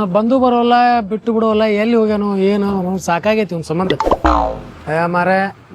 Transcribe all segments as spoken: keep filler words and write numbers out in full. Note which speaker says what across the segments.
Speaker 1: ಬಂದು ಬರೋಲ್ಲ ಬಿಟ್ಟು ಬಿಡೋಲ್ಲ ಎಲ್ಲಿ ಹೋಗ್ಯಾನು ಏನು ಸಾಕಾಗೈತಿ ಒಂದು ಸಂಬಂಧ ಮಾರ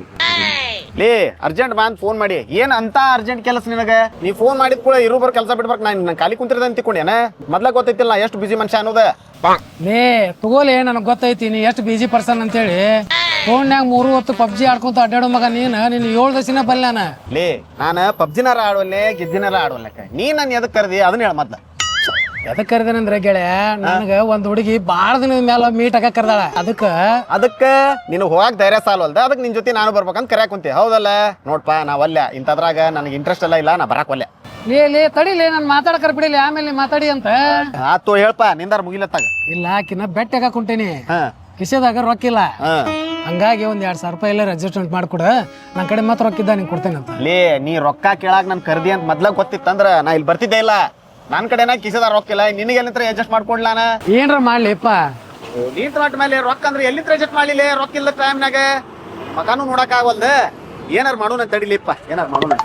Speaker 2: ಲೇ ಅರ್ಜೆಂಟ್ ಬಾ ಅಂತ ಫೋನ್ ಮಾಡಿ ಏನ್ ಅಂತ ಅರ್ಜೆಂಟ್ ಕೆಲಸ ನಿನಗೆ ನೀ ಫೋನ್ ಮಾಡಿದ ಕೂಡ ಇರು ಬರ್ ಕೆಲಸ ಬಿಡ್ಬೇಕು ನಾನು ಖಾಲಿ ಕುಂತಿರ್ದ ಅಂತ ತಿಳ್ಕೊಂಡೇನ ಮೊದ್ಲ ಗೊತ್ತೈತಿಲ್ಲ ಎಷ್ಟು ಬಿಜಿ ಮನುಷ್ಯ ಅನ್ನೋದ
Speaker 1: ಲೇ ತಗೋಲೆ ನನಗೆ ಗೊತ್ತೈತಿ ನೀ ಎಷ್ಟು ಬಿಜಿ ಪರ್ಸನ್ ಅಂತೇಳಿ ಫೋನ್ಯಾಗ ಮೂರು ಹೊತ್ತು ಪಬ್ಜಿ ಆಡ್ಕೊಂತ ಅಡ್ಡಾಡೋ ಮಗ ನೀನು ನೀನು ಏಳು ದಸಿನ ಬಲ್ಲ ನಾನು
Speaker 2: ಲೇ ನಾನು ಪಬ್ಜಿನಾರ ಆಡೋಲ್ಲೆ ಗೆದ್ದಿನಾರ ಆಡೋಲ್ಲಕ್ಕ ನೀ ನಾನು ಎದಕ್ ಕರ್ದಿ ಅದನ್ನ ಹೇಳ ಮೊದ್ಲ
Speaker 1: ಎದಕ್ ಕರ್ದೇನಂದ್ರೆ ಗೆಳೆಯ ನನಗ ಒಂದ್ ಹುಡುಗಿ ಬಾಳ ದಿನದ ಮೇಲೆ ಮೀಟ್ ಆಗ ಕರ್ದಾಳ ಅದಕ್ಕ
Speaker 2: ಅದಕ್ಕ ನೀನು ಹೋಗಾಕ್ ಧೈರ್ಯ ಸಾಲವಲ್ದ ಅದಕ್ಕೆ ನಿನ್ ಜೊತೆ ನಾನು ಬರ್ಬೇಕಂತ ಕರ್ಯಾಕ್ ಕುಂತಿ ಹೌದಲ್ಲ ನೋಡ್ಪ ನಾವಲ್ಲ ಇಂಥದ್ರಾಗ ನನಗೆ ಇಂಟ್ರೆಸ್ಟ್ ಎಲ್ಲ ಇಲ್ಲ ನಾ ಬರಾಕ್ ಒಲ್ಲೆ
Speaker 1: ಲೇ ಲೇ ತಡಿಲೇ ನಾನು ಮಾತಾಡಕರ್ ಬಿಡಿಲಿ ಆಮೇಲೆ ನೀ ಮಾತಾಡಿ ಅಂತ
Speaker 2: ಆತು ಹೇಳ್ಪ ನಿಂದಾರ ಮುಗಿಲತ್ತಾಗ
Speaker 1: ಇಲ್ಲ ಆಕಿನ ಬೆಟ್ಟ ಹಾಕ ಕುಂಟೇನಿ ಕಿಸೆದಾಗ ರೊಕ್ಕ ಇಲ್ಲ ಹಂಗಾಗಿ ಒಂದ್ ಎರಡ್ ಸಾವಿರ ರೂಪಾಯಿ ಎಲ್ಲ ಅಡ್ಜಸ್ಟ್ಮೆಂಟ್ ಮಾಡ್ಕೊಡ ನನ್ ಕಡೆ ಮಾತ್ರ ರೊಕ್ಕ ಇದ್ದ ನಿಂಗೆ ಕೊಡ್ತೇನೆ ಅಂತ
Speaker 2: ಲೇ ನೀ ರೊಕ್ಕ ಕೇಳಾಕ ನನ್ ಕರ್ದಿ ಅಂತ ಮೊದ್ಲ ಗೊತ್ತಿತ್ತಂದ್ರ ನಾ ಇಲ್ಲಿ ಬರ್ತಿದ್ದೆ ಇಲ್ಲ ನನ್ ಕಡೆನ ಕಿಸದ ರೊಕ್ಕ ಇಲ್ಲ ನಿನಗೆ ಎಲ್ಲಿಂತ್ರ ಅಡ್ಜಸ್ಟ್ ಮಾಡ್ಕೊಡ್ಲಾನ
Speaker 1: ಏನ್ರ ಮಾಡ್ಲಿಪ್ಪ
Speaker 2: ನೀನ್ ಮಟ್ಟ ಮೇಲೆ ರೊಕ್ಕ ಅಂದ್ರೆ ಎಲ್ಲಿಂತ್ರ ಅಡ್ಜಸ್ಟ್ ಮಾಡ್ಲಿಲ್ಲ ರೊಕ್ಕ ಇಲ್ಲದ ಟೈಮ್ನಾಗ ಮಕಾನು ನೋಡಕ್ ಆಗವಲ್ದ ಏನಾರು ಮಾಡೋಣ ತಡಿಲಿಪ್ಪ ಏನಾರು ಮಾಡೋಣ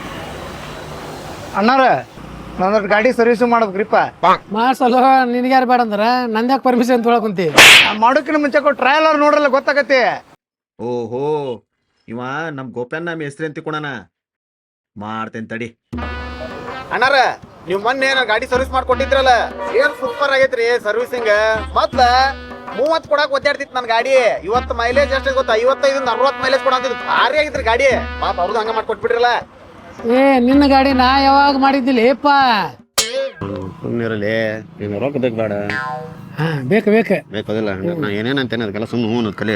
Speaker 3: ಅಣ್ಣಾರ ನಂದ್ರ ಗಾಡಿ ಸರ್ವಿಸ್ ಮಾಡ್ಬೇಕ್ರಿಪ್ಪ
Speaker 1: ಮಾಡ್ಸಲ್ಲ ನಿನ್ಗ್ಯಾರು ಬೇಡ ಅಂದ್ರ ನಂದ್ಯಾಕೆ ಪರ್ಮಿಷನ್ ತೊಗೊಳಕ್ ಕುಂತಿ
Speaker 3: ಮಾಡೋಕಿನ ಮುಂಚೆ ಟ್ರಯಲ್ ನೋಡ್ರಲ್ಲ ಗೊತ್ತಾಗತ್ತೆ
Speaker 2: ಓಹೋ ಇವ ನಮ್ ಗೋಪ್ಯಾನ್ ನಮ್ ಹೆಸ್ರಿ ಅಂತ ತಿಳ್ಕೊಳಣ ಮಾಡ್ತೇನೆ ತಡಿ ಅಣ್ಣಾರ ನೀವ್ ಮೊನ್ನೆ ನಾ ಗಾಡಿ ಸರ್ವಿಸ್ ಮಾಡ್ಕೊಟ್ಟಿದ್ರಲ್ಲ ಏನ್ ಸೂಪರ್ ಆಗೈತ್ರಿ ಸರ್ವಿಸಿಂಗ್ ಮೊದ್ಲ ಮೂವತ್ ಕೊಡಾಕ್ ಒದ್ದಾಡ್ತಿತ್ತು ನನ್ ಗಾಡಿ ಇವತ್ತು ಮೈಲೇಜ್ ಎಷ್ಟು ಗೊತ್ತಾ ಐವತ್ತೈದಿಂದ ಅರವತ್ ಮೈಲೇಜ್ ಕೊಡಂತಿದ್ ಭಾರಿ ಆಗಿದ್ರಿ ಗಾಡಿ ಪಾಪ ಅವ್ರದ್ದು ಹಂಗ ಮಾಡ್ಕೊಟ್ಬಿಟ್ರಲ್ಲ
Speaker 1: ಏ ನಿನ್ನ ಗಾಡಿ ನಾ ಯಾವಾಗ ಮಾಡಿದ್ದಿಲ್ಲಪ್ಪ
Speaker 2: ಸುಮ್ಮನಿರಲಿ ನೀನು ರೊಕ್ಕ ಬೇಕು ಬೇಡ
Speaker 1: ಹಾ ಬೇಕು ಬೇಕು
Speaker 2: ಬೇಕದಿಲ್ಲ ನಾ ಏನೇನಂತೇನೆ ಅದಕ್ಕೆಲ್ಲ ಸುಮ್ಮನೆ ಹ್ಞೂ ಕಲಿ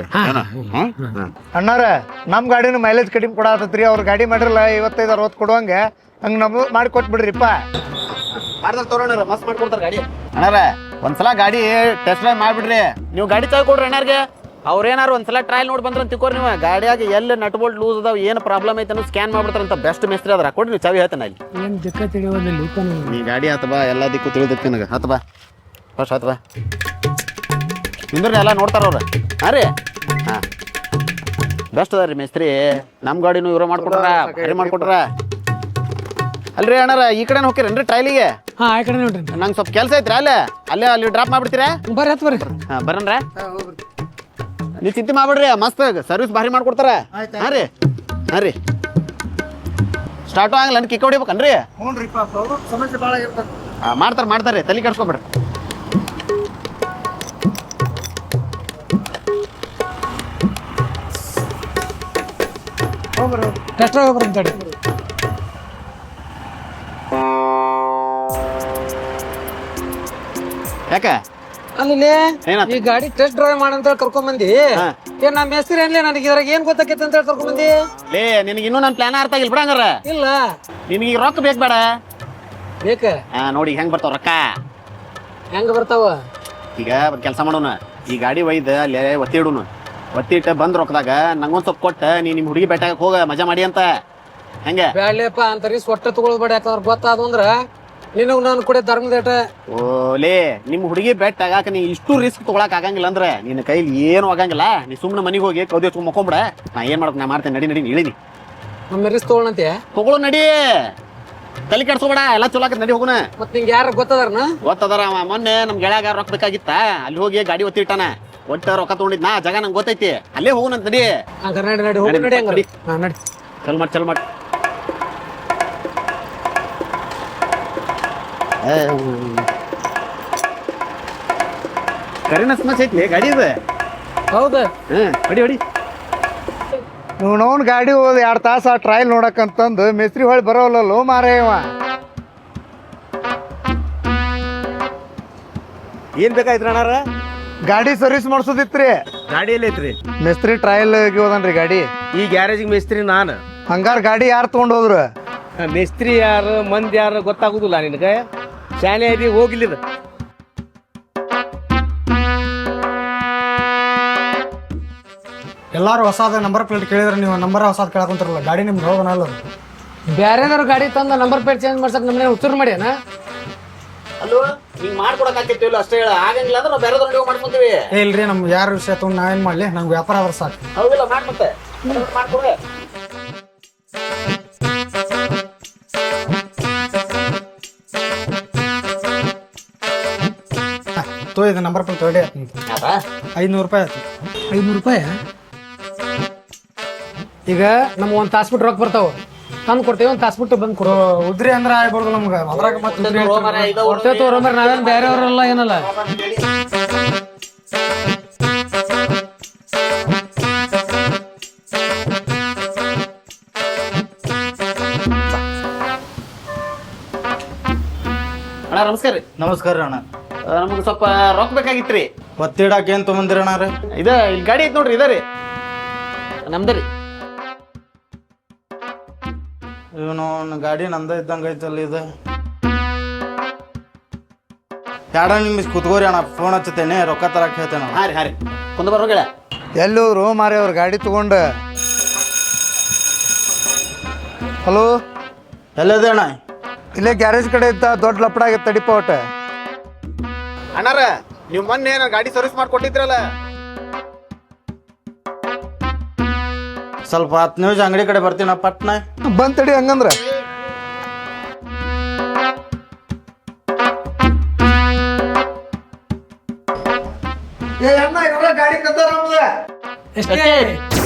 Speaker 3: ಅಣ್ಣಾರ ನಮ್ ಗಾಡಿನ ಮೈಲೇಜ್ ಕಡಿಮೆ ಕೊಡಾತತ್ರಿ ಅವ್ರ ಗಾಡಿ ಮಾಡಿರಲ್ಲ ಐವತ್ತೈದು ಅರವತ್ತು ಕೊಡುವಂಗ ಹಂಗ ನಮ್ದು ಮಾಡಿ ಕೊಟ್ಬಿಡ್ರಿಪ್ಪ
Speaker 2: ಮಾಡ್ದಾಗ ತೋರೋಣ ಮಸ್ತ್ ಮಾಡ್ಕೊಡ್ತಾರ ಗಾಡಿ ಅಣ್ಣಾರ ಒಂದ್ಸಲ ಗಾಡಿ ಟೆಸ್ಟ್ ಡ್ರೈವ್ ಮಾಡ್ಬಿಡ್ರಿ ನೀವು ಗಾಡಿ ತಗೊಳ್ರಿ ಅಣ್ಣಾರ್ಗೆ ಅವ್ರೇನಾರು ಒಂದ್ಸಲ ಟ್ರಯಲ್ ನೋಡಿ ಬಂದ್ರ ತಿಳ್ಕೊರಿ ನೀವು ಗಾಡಿಯಾಗ ಎಲ್ಲಿ ನಟ್ ಬೋಲ್ಟ್ ಲೂಸ್ ಅದಾವ ಏನು ಪ್ರಾಬ್ಲಮ್ ಐತೆ ಅನ್ನೋ ಸ್ಕ್ಯಾನ್ ಮಾಡ್ಬಿಡ್ತಾರಂತ ಬೆಸ್ಟ್ ಮಿಸ್ತ್ರಿ ಅದ್ರ ಕೊಡ್ರಿ ನೀವು ಚಾವಿ ಹೇಳ್ತಾನೆ ಅಲ್ಲಿ
Speaker 1: ಏನ್ ದಿಕ್ಕ ತಿಳಿಯೋದಿಲ್ಲ
Speaker 2: ನೀ ಗಾಡಿ ಹತ್ತ ಬಾ ಎಲ್ಲ ದಿಕ್ಕು ತಿಳಿದೈತಿ ನನಗೆ ಹತ್ತ ಬಾ ಫಸ್ಟ್ ಹತ್ತ ಬಾ ನಿಂದ್ರಿ ಎಲ್ಲ ನೋಡ್ತಾರ ಅವ್ರ ಹಾಂ ರೀ ಹಾಂ ಬೆಸ್ಟ್ ಅದ ರೀ ಮಿಸ್ತ್ರಿ ನಮ್ಮ ಗಾಡಿನೂ ಇವ್ರ ಮಾಡ್ಕೊಟ್ರ ಭಾರಿ ಮಾಡ್ಕೊಟ್ರ ಅಲ್ರಿ ಅಣ್ಣಾರ ಈ ಕಡೆ ಹೋಗ್ತೀರೇನ್ರಿ ಟ್ರೈಲಿಗೆ
Speaker 1: ಹಾ ಆ ಕಡೆ ನೋಡ್ರಿ
Speaker 2: ನಂಗೆ ಸ್ವಲ್ಪ ಕೆಲಸ ಐತ್ರಿ ಅಲ್ಲೇ ಅಲ್ಲೇ ಅಲ್ಲಿ ಡ್ರಾಪ್ ಮಾಡ್ಬಿಡ್ತೀರಾ
Speaker 1: ಬರ್ರಿ ಹತ್ ಬರ್ರಿ
Speaker 2: ಹಾಂ ಬರನ್ರ ನೀವು ಚಿಂತೆ ಮಾಡ್ಬಿಡ್ರಿ ಮಸ್ತ್ ಸರ್ವಿಸ್ ಭಾರಿ ಮಾಡ್ಕೊಡ್ತಾರ ಹಾಂ ರೀ ಹಾಂ ರೀ ಸ್ಟಾರ್ಟು ಆಗಲ್ಲ ಕಿಕ್ಕ ಹೊಡಿಬೇಕನ್ರಿ
Speaker 3: ಸಮಸ್ಯೆ ಭಾಳ ಇರ್ತದೆ
Speaker 2: ಹಾಂ ಮಾಡ್ತಾರೆ ಮಾಡ್ತಾರೆ ತಲೆ ಕೆಡ್ಸ್ಕೊಬೇಡ್ರಿ
Speaker 1: ಟೆಸ್ಟ್ ಹೋಗ್ರಿ ತಡಿ
Speaker 2: ಯಾಕೆ
Speaker 1: ಅಲ್ಲಿ ಈ ಗಾಡಿ ಟೆಸ್ಟ್ ಡ್ರೈವ್ ಮಾಡಂತ ಕರ್ಕೊಂಡ್ ಬಂದಿ ಏನ್ ನಮ್ಮ ಹೆಸರು ಏನ್ಲೇ ನನಗೆ ಇದ್ರಾಗ ಏನ್ ಗೊತ್ತಾಕೈತೆ ಅಂತ ಹೇಳಿ ಕರ್ಕೊಂಡ್ ಬಂದಿ
Speaker 2: ಲೇ ನಿನಗೆ ಇನ್ನೂ ನನ್ನ ಪ್ಲಾನ್ ಅರ್ಥ ಆಗಿಲ್ಲ ಬಿಡಂಗಾರ
Speaker 1: ಇಲ್ಲ
Speaker 2: ನಿನಗೆ ಈಗ ರೊಕ್ಕ ಬೇಕು ಬೇಡ
Speaker 1: ಬೇಕ
Speaker 2: ಹಾ ನೋಡಿ ಹೆಂಗ್ ಬರ್ತಾವ ರೊಕ್ಕ
Speaker 1: ಹೆಂಗ ಬರ್ತಾವ
Speaker 2: ಈಗ ಒಂದು ಕೆಲಸ ಮಾಡೋಣ ಈ ಗಾಡಿ ಒಯ್ದು ಅಲ್ಲೇ ಒತ್ತಿ ಇಡುನು ಒತ್ತಿ ಇಟ್ಟು ಬಂದ್ ರೊಕ್ಕದಾಗ ನಂಗೊಂದ್ ಸ್ವಲ್ಪ ಕೊಟ್ಟ ನೀ ನಿಮ್ಮ ಹುಡುಗಿ ಬೆಟ್ಟಾಗ ಹೋಗ ಮಜಾ ಮಾಡಿ ಅಂತ ಹೆಂಗೆ
Speaker 1: ಬ್ಯಾಡ್ಲೇಪ ಅಂತರಿ ಸೊಟ್ಟ ತಗೊಳ್ಬೇಡ ಯಾಕಂದ್ರೆ ಗೊತ್ತಾದ ಅಂದ್ರ ನಿನಗ್ ನಾನು ಕೂಡ ಧರ್ಮದೇಟ
Speaker 2: ಓಲೇ ನಿಮ್ಮ ಹುಡುಗಿ ಬೆಟ್ ಆಗಾಕ ನೀ ಇಷ್ಟು ರಿಸ್ಕ್ ತಗೊಳಕ್ ಆಗಂಗಿಲ್ಲ ಅಂದ್ರೆ ನಿನ್ನ ಕೈಲಿ ಏನು ಆಗಂಗಿಲ್ಲ ನೀ ಸುಮ್ಮನೆ ಮನೆಗೆ ಹೋಗಿ ಕೌದಿ ಹಚ್ಕೊಂಡ್ ಮಕ್ಕೊಂಬಿಡ ನಾ ಏನ್ ಮಾಡಕ್ ನಾ ಮಾಡ್ತೇನೆ ನಡಿ ನಡಿ ಇಳಿನಿ
Speaker 1: ನಮ್ಮ ರಿಸ್ಕ್ ತಗೊಳಂತೆ
Speaker 2: ತಗೊಳು ನಡಿ ತಲೆ ಕೆಡ್ಸ್ಕೊಬೇಡ ಎಲ್ಲ ಚಲೋ ಆಕತ್ ನಡಿ ಹೋಗುನ
Speaker 1: ಮತ್ ನಿಂಗೆ ಯಾರ ಗೊತ್ತದಾರನ
Speaker 2: ಗೊತ್ತದಾರ ಅವ ಮೊನ್ನೆ ನಮ್ ಗೆಳೆಯಾಗ ರೊಕ್ಕ ಬೇಕಾಗಿತ್ತ ಅಲ್ಲಿ ಹೋಗಿ ಗಾಡಿ ಒತ್ತಿ ಇಟ್ಟಾನ ಒಟ್ಟ ರೊಕ್ಕ ತಗೊಂಡಿದ್ನಾ ಜಾಗ ನಂಗೆ ಗೊತ್ತೈತಿ ಅಲ್ಲೇ ಹೋಗುನಂತ ನಡಿ
Speaker 1: ಹಂಗಾರ ನಡಿ ನಡಿ ಹೋಗಿ ನಡಿ ಹಂಗಾರ ಹಾ ನಡಿ
Speaker 2: ಚಲ್ ಮಾಡಿ ಚಲ್ ಮಾಡಿ ಕರಿನ ಸಮಸ್ಯೆ ಐತ್ಲಿ ಗಾಡಿ ಇದೆ
Speaker 1: ಹೌದಾ
Speaker 2: ಹ್ಮ್ ಹೊಡಿ ಹೊಡಿ
Speaker 3: ನೀವು ನೋನ್ ಗಾಡಿ ಹೋದ್ ಎರಡು ತಾಸು ಆ ಟ್ರಯಲ್ ನೋಡಕ್ಕಂತಂದು ಮಿಸ್ತ್ರಿ ಹೊಳಿ ಬರೋಲ್ಲೋ ಮಾರೇವ
Speaker 2: ಏನ್ ಬೇಕಾಯ್ತು ಅಣ್ಣಾರ
Speaker 3: ಗಾಡಿ ಸರ್ವಿಸ್ ಮಾಡ್ಸೋದಿತ್ರಿ
Speaker 4: ಗಾಡಿ ಎಲ್ಲ ಐತ್ರಿ
Speaker 3: ಮಿಸ್ತ್ರಿ ಟ್ರಯಲ್ ಹೋದನ್ರಿ ಗಾಡಿ
Speaker 4: ಈ ಗ್ಯಾರೇಜಿಗೆ ಮೇಸ್ತ್ರಿ ನಾನು
Speaker 3: ಹಂಗಾರ ಗಾಡಿ ಯಾರು ತಗೊಂಡ್ ಹೋದ್ರು
Speaker 4: ಮೇಸ್ತ್ರಿ ಯಾರು ಮಂದಿ ಯಾರು ಗೊತ್ತಾಗುದಿಲ್ಲ ನಿನಗೆ ಶಾಲೆ ಐತಿ ಹೋಗಿಲ್ಲಿದ
Speaker 5: ಎಲ್ಲಾರು ಹೊಸಾದ ನಂಬರ್ ಪ್ಲೇಟ್ ಕೇಳಿದ್ರೆ ನೀವು ನಂಬರ್ ಹೊಸಾದ್ ಕೇಳಕೊಂತಾರಲ್ಲ ಗಾಡಿ ನಿಮ್ಗೆ ಹೌದನಲ್ಲ
Speaker 1: ಬ್ಯಾರೇನಾರು ಗಾಡಿ ತಂದ ನಂಬರ್ ಪ್ಲೇಟ್ ಚೇಂಜ್ ಮಾಡ್ಸಕ್ ನಮ್ಮನೆ ಉತ್ತರ ಮಾಡ್ಯಾನ
Speaker 2: ಅಲ್ಲೋ ಹಿಂಗ್ ಮಾಡ್ಕೊಡಕ್ ಆಗ್ತಿಲ್ಲ ಅಷ್ಟೇ ಹೇಳ ಆಗಂಗಿಲ್ಲ ಅಂದ್ರೆ ನಾವು ಬೇರೆ ದೊಡ್ಡ ಮಾಡ್ಕೊಂತೀವಿ
Speaker 5: ಏ ಇಲ್ರಿ ನಮ್ಗೆ ಯಾರ ವಿಷಯ ತಗೊಂಡು ನಾವೇನ್ ಮಾಡ್ಲಿ ನಂಗೆ ವ್ಯಾಪಾರ ಆದ್ರೆ ಸಾಕು
Speaker 2: ಹೌದಿಲ್ಲ ಮಾಡ್ ಮತ್ತೆ ಮಾಡ್ಕೊಡೆ
Speaker 5: ತೋ ಇದು ನಂಬರ್ ಪ್ಲೇಟ್ ತೊಡೆ ಐದ್ನೂರು ರೂಪಾಯಿ ಆಯ್ತು.
Speaker 1: ಐದ್ನೂರು ರೂಪಾಯಿ ಈಗ ನಮ್ಗೆ ಒಂದು ತಾಸು ಬಿಟ್ಟು ರೊಕ್ಕ ಬರ್ತಾವ ತಂದು ಕೊಡ್ತೇವೆ ಒಂದು ತಾಸು ಬಿಟ್ಟು ಬಂದು ಕೊಡು.
Speaker 5: ಉದ್ರಿ ಅಂದ್ರೆ ಆಗ್ಬಾರ್ದು ನಮ್ಗೆ ಅದ್ರಾಗ ಮತ್ತೆ ಉದ್ರಿ ಹೇಳ್ತೀರಿ.
Speaker 1: ಕೊಡ್ತೇವೆ ತೋರಂಬರ್ ನಾವೇನು ಬೇರೆಯವರೆಲ್ಲ ಏನಲ್ಲ.
Speaker 2: ಅಣ್ಣ ನಮಸ್ಕಾರ ರೀ.
Speaker 6: ನಮಸ್ಕಾರ ರೀ ಅಣ್ಣ.
Speaker 2: ನಮ್ಗೆ ಸ್ವಲ್ಪ ರೊಕ್ಕ ಬೇಕಾಗಿತ್ರಿ.
Speaker 6: ಒತ್ತಿಡಾಕ ಏನು ತೊಗೊಂದಿರ ಅಣ್ಣ ರೀ?
Speaker 2: ಇದ ಇಲ್ಲಿ ಗಾಡಿ ಐತಿ ನೋಡ್ರಿ, ಇದ ರೀ ನಮ್ದ ರೀ.
Speaker 6: ಇವನು ಗಾಡಿ ನಂದ ಇದ್ದಂಗೆ ಐತಲ್ಲ ಇದು. ಯಾಡ ನಿಮಿಷ ಕುತ್ಕೋರಿ ಅಣ್ಣ, ಫೋನ್ ಹಚ್ಚತೇನೆ, ರೊಕ್ಕ ತರಕ್ಕೆ ಹೇಳ್ತೇನೆ.
Speaker 2: ಹಾಂ ರೀ ಹಾಂ ರೀ ಕುಂದ ಬರೋಗಳ
Speaker 3: ಎಲ್ಲಿ ಹೋದ್ರು ಮಾರಿ ಅವ್ರ ಗಾಡಿ ತಗೊಂಡು. ಹಲೋ,
Speaker 6: ಎಲ್ಲದೆ ಅಣ್ಣ?
Speaker 3: ಇಲ್ಲೇ ಗ್ಯಾರೇಜ್ ಕಡೆ ಇದ್ದ ದೊಡ್ಡ ಲಪಡ ಆಗೈತೆ ತಡಿಪ ಒಟ್ಟ.
Speaker 2: ಅಣ್ಣಾರ ನೀವು ಮೊನ್ನೆ ನಾನು ಗಾಡಿ ಸರ್ವಿಸ್ ಮಾಡ್ಕೊಟ್ಟಿದ್ರಲ್ಲ.
Speaker 6: ಸ್ವಲ್ಪ ಹತ್ತು ನಿಮಿಷ ಅಂಗಡಿ ಕಡೆ ಬರ್ತೀನ ಪಟ್ನ.
Speaker 3: ಬಂದ್ ತಡಿ ಹಂಗಂದ್ರ. ಏ ಅಣ್ಣ, ಇವಾಗ ಗಾಡಿ ಕದ್ದಾರ ನಮ್ದು.
Speaker 1: ಎಷ್ಟೇ